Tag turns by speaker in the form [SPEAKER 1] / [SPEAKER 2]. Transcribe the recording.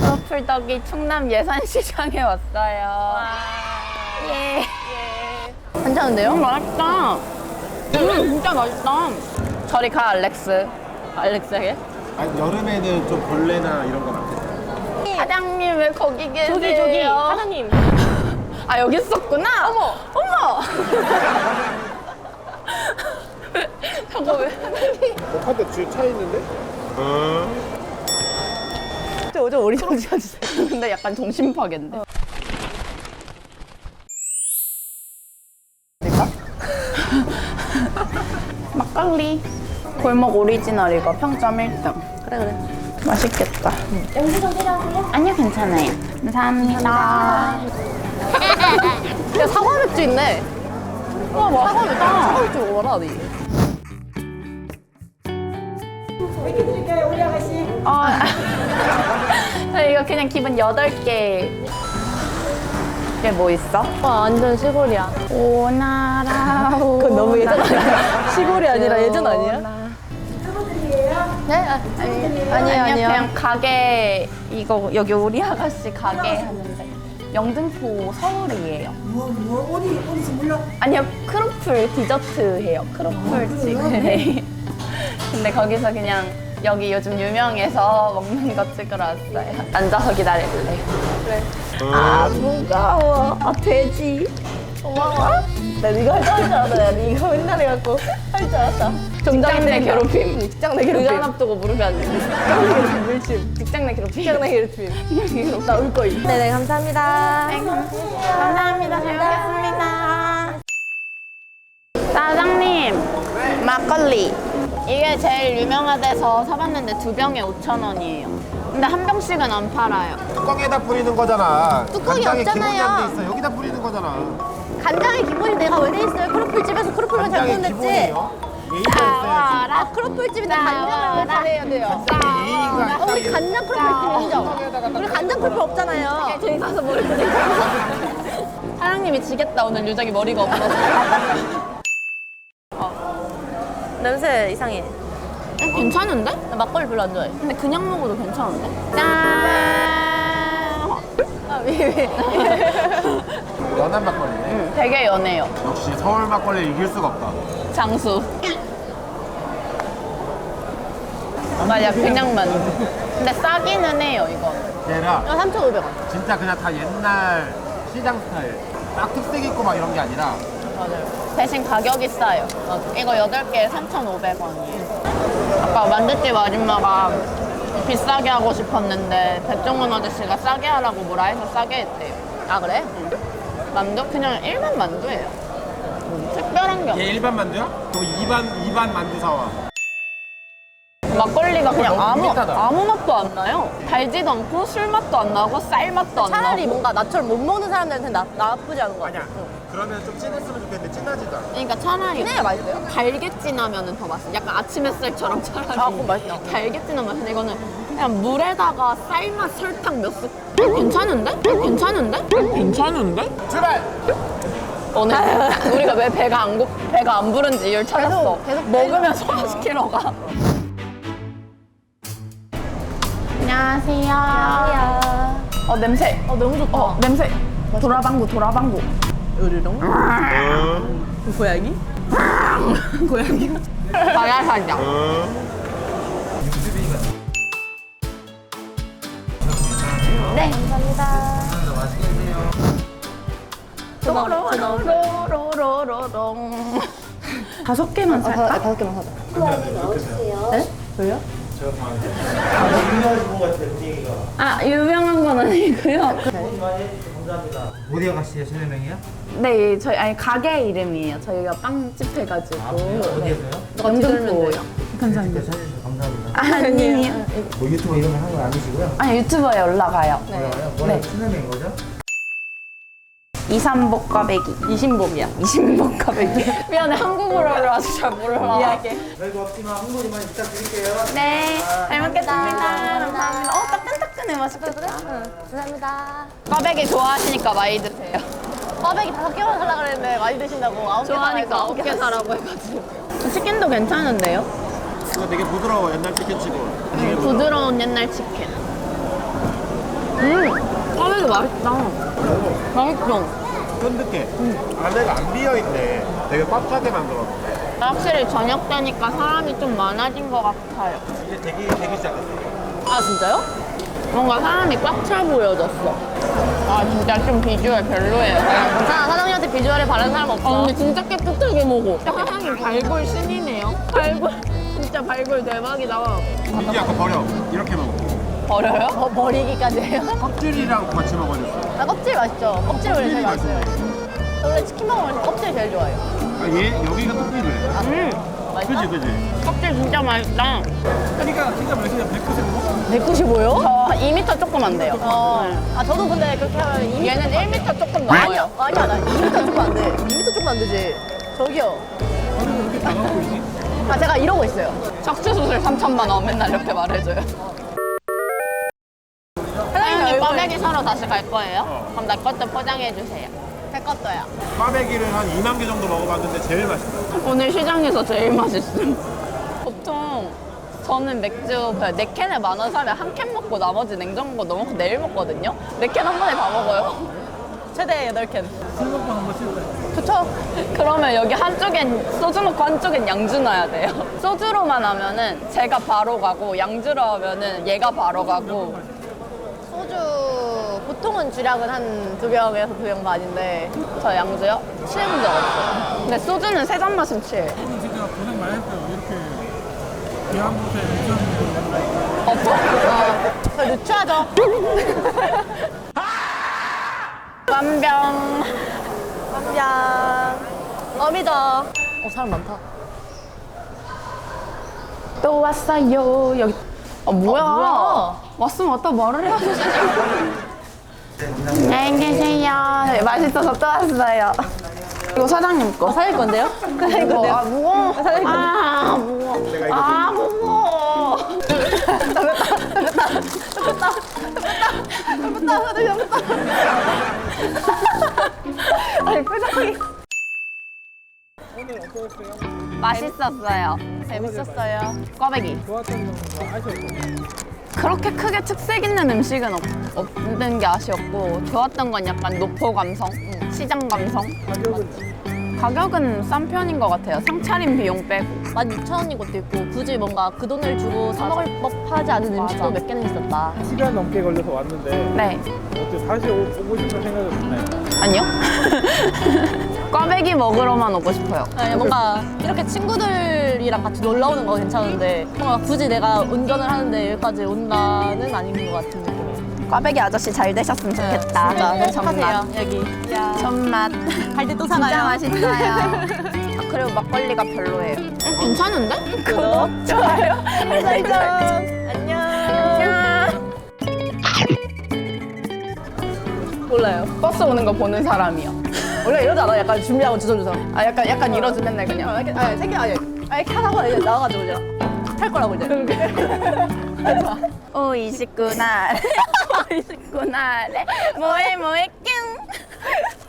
[SPEAKER 1] 크로플덕이 충남 예산시장에 왔어요. 예.
[SPEAKER 2] 괜찮은데요?
[SPEAKER 1] 맛있다. 진짜 맛있다. 저리 가, 알렉스. 알렉스에게?
[SPEAKER 3] 아니, 여름에는 좀 벌레나 이런 거 많겠다.
[SPEAKER 1] 사장님 왜 거기 계세요?
[SPEAKER 2] 저기 사장님.
[SPEAKER 1] 아, 여기 있었구나. 어머. 저거 왜?
[SPEAKER 3] 한대 뒤에 차 있는데?
[SPEAKER 2] 저 어리광 지어주세요.
[SPEAKER 1] 근데 약간 정신 파괴인데. 막걸리. 골목 오리지널 이거 평점 1등.
[SPEAKER 2] 그래.
[SPEAKER 1] 맛있겠다. 영수증 필요하세요? 아니요, 괜찮아요. 감사합니다.
[SPEAKER 2] 야, 사과 맥주 있네.
[SPEAKER 1] 와, 맛있다.
[SPEAKER 2] 사과 맥주 먹어라, 니.
[SPEAKER 1] 저 이거 그냥 기본 8개. 이게 뭐 있어?
[SPEAKER 2] 완전 시골이야.
[SPEAKER 1] 오나라.
[SPEAKER 2] 그건 너무 예전 아니야? 시골이 아니라 예전 아니야? 네? 아니요.
[SPEAKER 1] 그냥 가게 이거 여기 우리 아가씨 가게 하는데 영등포 서울이에요. 어디서 몰라? 아니요, 크로플 디저트 해요. 크로플 지금. 네. 근데 거기서 그냥 여기 요즘 유명해서 먹는 거 찍으러 왔어요. 앉아서 기다릴래.
[SPEAKER 2] 그래.
[SPEAKER 1] 아, 무거워. 아, 돼지.
[SPEAKER 2] 고마워. 나 이거 할 줄 알았다. 나 이거 맨날 해갖고 할 줄 알았다.
[SPEAKER 1] 직장 내 괴롭힘.
[SPEAKER 2] 직장 내 괴롭힘.
[SPEAKER 1] 의자 앞두고 무릎이 안 돼.
[SPEAKER 2] 직장 내 괴롭힘. 물침.
[SPEAKER 1] 직장 내 괴롭힘.
[SPEAKER 2] 직장 내 괴롭힘. 나 울 거임. 네네, 감사합니다.
[SPEAKER 1] 감사합니다. 잘 먹겠습니다. 사장님, 막걸리. 이게 제일 유명하대서 사봤는데 2병에 5,000원이에요. 근데 한 병씩은 안 팔아요.
[SPEAKER 3] 뚜껑에다 뿌리는 거잖아.
[SPEAKER 2] 뚜껑이
[SPEAKER 3] 간장에
[SPEAKER 2] 없잖아요.
[SPEAKER 3] 기본이 안 돼 있어. 여기다 뿌리는 거잖아.
[SPEAKER 2] 간장의 기본이 내가 왜 돼 있어요? 크로플집에서 크로플만 잘
[SPEAKER 3] 간장의
[SPEAKER 2] 구웠댔지?
[SPEAKER 3] 기본이요? 예의가 있어야지.
[SPEAKER 2] 아, 크로플집인데 간장을 잘해야 돼요.
[SPEAKER 3] 예의가
[SPEAKER 2] 우리 간장 크로플집 인정. 우리 간장 크로플 없잖아요.
[SPEAKER 1] 저희 가서 머리 끄고. 사장님이 지겠다, 오늘 유정이 머리가 없어서.
[SPEAKER 2] 냄새 이상해.
[SPEAKER 1] 괜찮은데?
[SPEAKER 2] 나 막걸리 별로 안 좋아해.
[SPEAKER 1] 근데 그냥 먹어도 괜찮은데? 짠!
[SPEAKER 2] 아, 왜.
[SPEAKER 3] 연한 막걸리네.
[SPEAKER 1] 되게 연해요.
[SPEAKER 3] 역시 서울 막걸리 이길 수가 없다.
[SPEAKER 1] 장수. 맞아, 그냥 만두. 근데 싸기는 해요, 이건.
[SPEAKER 3] 얘라
[SPEAKER 2] 3,500원.
[SPEAKER 3] 진짜 그냥 다 옛날 시장 스타일. 딱 특색 있고 막 이런 게 아니라
[SPEAKER 1] 맞아요. 대신 가격이 싸요. 이거 8개에 3,500원이에요. 아까 만두집 아줌마가 비싸게 하고 싶었는데 백종원 아저씨가 싸게 하라고 뭐라 해서 싸게 했대요.
[SPEAKER 2] 아, 그래?
[SPEAKER 1] 만두? 그냥 일반 만두예요. 특별한 게 없어요.
[SPEAKER 3] 얘 일반 만두야? 그럼 2반 만두 사와.
[SPEAKER 1] 막걸리가 그냥
[SPEAKER 3] 너무 비슷하다.
[SPEAKER 1] 아무 맛도 안 나요. 달지도 않고 술 맛도 안 나고 쌀 맛도 안
[SPEAKER 2] 차라리
[SPEAKER 1] 나고.
[SPEAKER 2] 뭔가 나처럼 못 먹는 사람들한테 나쁘지 않은 거 같아.
[SPEAKER 3] 아니야. 그러면 좀 진했으면 좋겠는데 진하지도 않아.
[SPEAKER 1] 그러니까 차라리
[SPEAKER 2] 진해야 맛있어요?
[SPEAKER 1] 달게 진하면 더 맛있어. 약간 아침 햇살처럼 차라리.
[SPEAKER 2] 아, 그건 맛있다.
[SPEAKER 1] 달게 진한 맛인데 이거는 그냥 물에다가 쌀맛 설탕 몇 스. 괜찮은데? 괜찮은데? 괜찮은데?
[SPEAKER 3] 출발!
[SPEAKER 1] 오늘 우리가 왜 배가 안 부른지 이유를 찾았어.
[SPEAKER 2] 계속
[SPEAKER 1] 먹으면 소화시키러 가. 안녕하세요.
[SPEAKER 2] 야.
[SPEAKER 1] 냄새.
[SPEAKER 2] 너무 좋다.
[SPEAKER 1] 냄새. 도라방구.
[SPEAKER 2] 으르렁? 고양이?
[SPEAKER 1] 고양이. 바야사냥. 네.
[SPEAKER 2] 감사합니다.
[SPEAKER 1] 로로로로로롱. 5개만 살까?
[SPEAKER 2] 5개만 사자.
[SPEAKER 3] 네?
[SPEAKER 2] 왜요?
[SPEAKER 1] 아, 유명한 건 아니고요.
[SPEAKER 4] 어디 아가씨예요? 실내명이요?
[SPEAKER 1] 네, 저희 가게 이름이에요. 저희가 빵집 해가지고.
[SPEAKER 4] 어디에서요?
[SPEAKER 1] 영등포요. 감사합니다.
[SPEAKER 4] 사진 주셔서 감사합니다.
[SPEAKER 1] 아니에요.
[SPEAKER 4] 뭐 유튜브 이런 거 하는 거 아니시고요?
[SPEAKER 1] 아니, 유튜버에 올라가요.
[SPEAKER 4] 올라가요? 원래 실내명인 거죠?
[SPEAKER 1] 이삼복 꽈배기.
[SPEAKER 2] 이신복이야.
[SPEAKER 1] 이십복 꽈배기. 미안해, 한국어를 아주 잘 몰라.
[SPEAKER 2] 미안해.
[SPEAKER 4] 별거 없지만 한 분이만 부탁드릴게요.
[SPEAKER 1] 네, 잘 먹겠습니다. 감사합니다. 따끈따끈해, 맛있겠다.
[SPEAKER 2] 감사합니다.
[SPEAKER 1] 꽈배기 좋아하시니까 많이 드세요.
[SPEAKER 2] 꽈배기 5개만 살라 그랬는데 많이 드신다고 9개
[SPEAKER 1] 좋아하니까 9개 사라고 해가지고. 치킨도 괜찮은데요?
[SPEAKER 3] 이거 되게 부드러워 옛날 치킨치고.
[SPEAKER 1] 부드러운 옛날 치킨. 꽈배기 맛있다. 맛있어.
[SPEAKER 3] 쫀득해. 안에가 안 비어있네. 되게 꽉 차게 만들었어.
[SPEAKER 1] 확실히 저녁 때니까 사람이 좀 많아진 것 같아요.
[SPEAKER 3] 이제 되기 시작했어.
[SPEAKER 2] 아, 진짜요?
[SPEAKER 1] 뭔가 사람이 꽉 차 보여졌어. 아 진짜 좀 비주얼 별로예요.
[SPEAKER 2] 괜찮아. 사장님한테 비주얼에 바른 사람 없어.
[SPEAKER 1] 근데 진짜 깨끗하게 먹어. 사장님 발골 신이네요. 발골 진짜 발골 대박이다.
[SPEAKER 3] 민지 아까 버려. 이렇게 먹어.
[SPEAKER 1] 버려요?
[SPEAKER 2] 버리기까지 해요?
[SPEAKER 3] 껍질이랑 같이 먹어줬어.
[SPEAKER 2] 나 껍질 맛있죠? 껍질 원래 제일 맛있어요. 저 원래 치킨 먹으면 껍질 제일 좋아해요.
[SPEAKER 3] 아, 얘 여기가 껍질이래.
[SPEAKER 2] 맛있다?
[SPEAKER 3] 그지?
[SPEAKER 1] 껍질 진짜 맛있다.
[SPEAKER 3] 그러니까 진짜 맛있냐?
[SPEAKER 2] 195요?
[SPEAKER 1] 저 2m 조금 안 돼요.
[SPEAKER 2] 아, 저도 근데 그렇게 하면 2m
[SPEAKER 1] 얘는 1m 조금 넘어요.
[SPEAKER 2] 아니야, 나 2m 조금 안 돼. 2m 조금 안 되지. 저기요. 아, 제가 이러고 있어요.
[SPEAKER 1] 척추 수술 3천만 원 맨날 이렇게 말해줘요. 사장님 꽈배기 사러 다시 갈 거예요? 그럼 내 것도 포장해 주세요.
[SPEAKER 2] 제 것도요.
[SPEAKER 3] 꽈배기를 한 2만 개 정도 먹어봤는데 제일 맛있어.
[SPEAKER 1] 오늘 시장에서 제일 맛있음. 보통 저는 맥주 4캔에 10,000원 사면 한 캔 먹고 나머지 냉장고 넣어놓고 내일 먹거든요. 4캔 한 번에 다 먹어요.
[SPEAKER 2] 최대 8캔.
[SPEAKER 1] 그쵸? 그러면 여기 한쪽엔 소주 넣고 한쪽엔 양주 넣어야 돼요. 소주로만 하면은 제가 바로 가고 양주로 하면은 얘가 바로 가고.
[SPEAKER 2] 소주 보통은 주량은 한 2병에서 2병 반인데
[SPEAKER 1] 저 양주요? 취해 본 적 없어요. 근데 소주는 3잔 마시면 취해요.
[SPEAKER 5] 진짜 고생 많이 했어요. 이렇게 귀한 곳에
[SPEAKER 2] 저 누추하죠?
[SPEAKER 1] 완병.
[SPEAKER 2] 깜냥 어미다. 사람 많다.
[SPEAKER 1] 또 왔어요. 여기. 아, 뭐야.
[SPEAKER 2] 뭐야.
[SPEAKER 1] 왔으면 왔다 말을 해야지. 안녕히 계세요. 네, 맛있어서 또 왔어요. 이거 사장님 거.
[SPEAKER 2] 사장님 건데요? 사장님 건데요?
[SPEAKER 1] 아, 무거워.
[SPEAKER 2] 사장님 건데요?
[SPEAKER 1] 아, 무거워. 아, 무거워.
[SPEAKER 2] 아니, 표정이.
[SPEAKER 5] 오늘 어떠셨어요?
[SPEAKER 1] 맛있었어요.
[SPEAKER 2] 재밌었어요.
[SPEAKER 1] 꽈배기.
[SPEAKER 5] 좋았던 점과 아쉬웠던 점.
[SPEAKER 1] 그렇게 크게 특색 있는 음식은 없는 게 아쉬웠고 좋았던 건 약간 노포 감성, 시장 감성. 가격은 싼 편인 것 같아요. 상차림 비용 빼고.
[SPEAKER 2] 16,000원인 것도 있고 굳이 뭔가 그 돈을 주고 사 먹을 법하지 않은 음식도 몇 개는 있었다.
[SPEAKER 5] 시간 넘게 걸려서 왔는데
[SPEAKER 1] 네.
[SPEAKER 5] 어때 다시 오고 싶은 생각이 드나요?
[SPEAKER 1] 아니요. 꽈배기 먹으러만 오고 싶어요.
[SPEAKER 2] 네, 뭔가 이렇게 친구들이랑 같이 놀러 오는 거 괜찮은데 뭔가 굳이 내가 운전을 하는데 여기까지 온다는 아닌 것 같은 느낌이에요.
[SPEAKER 1] 꽈배기 아저씨 잘 되셨으면 좋겠다.
[SPEAKER 2] 진짜 행복하세요,
[SPEAKER 1] 전맛.
[SPEAKER 2] 여기.
[SPEAKER 1] 전맛.
[SPEAKER 2] 갈 때 또
[SPEAKER 1] 진짜
[SPEAKER 2] 사가요.
[SPEAKER 1] 맛있어요. 아, 그리고 막걸리가 별로예요. 괜찮은데?
[SPEAKER 2] 구독, 좋아요, 알람 설정. 안녕. 몰라요.
[SPEAKER 1] 버스 오는 거 보는 사람이요.
[SPEAKER 2] 원래 이러지 않아? 약간 준비하고 주섬주섬.
[SPEAKER 1] 아, 약간 이러지 맨날 그냥.
[SPEAKER 2] 이렇게, 아니, 생겨, 아니, 이렇게 하다가 이제 나와가지고 이제 탈 거라고 이제.
[SPEAKER 1] 오, 29날. 29날에 뭐해, 뀨.